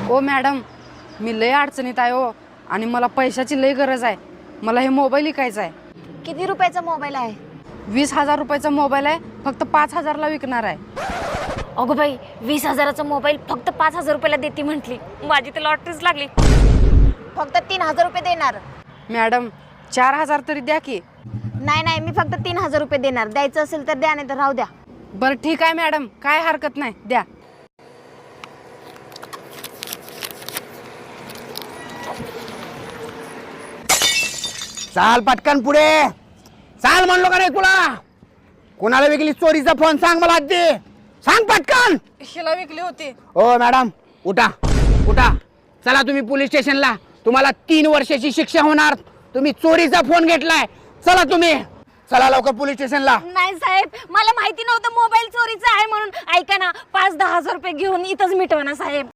ओ madam, मी लय अडचणीत आहे हो आणि मला पैशाची लय गरज आहे. मला हे मोबाईल विकायचा आहे. किती रुपयाचा मोबाईल आहे? 20,000 रुपयाचा मोबाईल आहे, फक्त 5,000ला विकणार आहे. अगं बाई, 20,000चा मोबाईल फक्त 5,000 रुपयाला देते म्हटली. माझी तर लॉटरीच लागली. फक्त 3,000 रुपये देणार. मॅडम 4,000 तरी द्या की. नाही, मी फक्त 3,000 रुपये देणार. द्यायचं असेल तर द्या, नाही तर राहू द्या. बरं ठीक आहे मॅडम, काय हरकत नाही, द्या. चाल पटकन पुढे चाल, म्हणलो का नाही तुला? कोणाला विकली चोरीचा फोन? सांग मला आधी, सांग पटकन. हिला विकली होती. ओ मॅडम, उठा उठा, चला तुम्ही पोलीस स्टेशनला. तुम्हाला 3 वर्षाची शिक्षा होणार. तुम्ही चोरीचा फोन घेतलाय. चला तुम्ही, चला लवकर पोलीस स्टेशनला. नाही साहेब, मला माहिती नव्हतं मोबाईल चोरीचा आहे म्हणून. ऐका ना, 5-10 हजार रुपये घेऊन इथंच मिटवा ना साहेब.